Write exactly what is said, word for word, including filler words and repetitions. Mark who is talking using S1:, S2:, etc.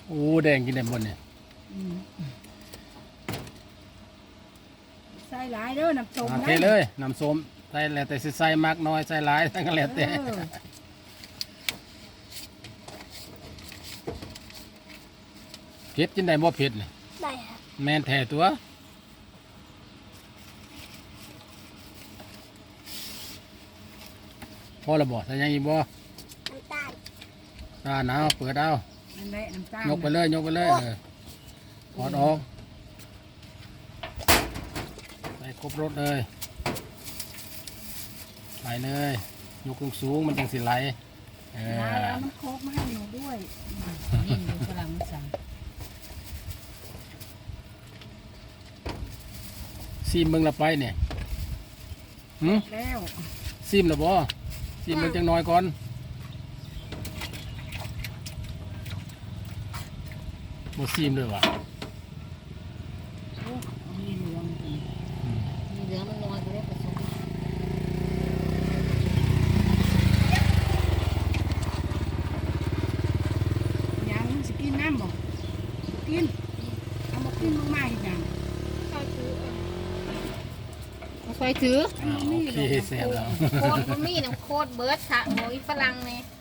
S1: โอ้แดงกินได้หมดเนี่ย
S2: อืมใส่หลายเด้อน้ำส้ม
S1: โอ
S2: นะ
S1: เคเลยน้ำส้มใส่แล้วแต่สิใส่มากน้อยใส่หลายทั้งนั้นแล้วแต่
S2: เออ
S1: เผ็ดกินได้บ่เผ็ดนี่
S3: ได้ครับ
S1: แม่นแท้ตัวพอและบ่ใส่หยังอีกบ่
S3: น้ำตาล
S1: ตาหนาวเปิดเอา
S2: นั่นแหละน้ำตาล
S1: ยกไปเลยยกไปเลยเออถอดออกใส่ครบรถเลยใส่เลยยกสูงๆมันจังสิไหลเออ
S2: แล้วเอาน้ำโคกมาให้หนูด้วย
S4: นี่ดูกำลังสั่ง
S1: ซีมเบิ่งละไปเนี่ยหืม
S2: แล้ว
S1: ซีมละบ่ซีมเบิ่งจังน้อยก่อนบ่ซีมด้วยวะ
S2: โอ้มีเหลืองอีก
S4: มีเหลืองมันน้อยก็ได้ผสม
S2: ยังสิกินน้ำบ่กินเอามากินมากๆอีกอย่าง
S4: มาคอยถือ
S2: อัน
S1: อ่า
S2: นี้
S1: โอ
S2: มี
S1: เค
S2: หรอก
S1: เสร็จแล้ว
S4: โคตรก็มีน้ำโคตรเบิร์ดค่ะโอ้ยฝรั่งเนี่ย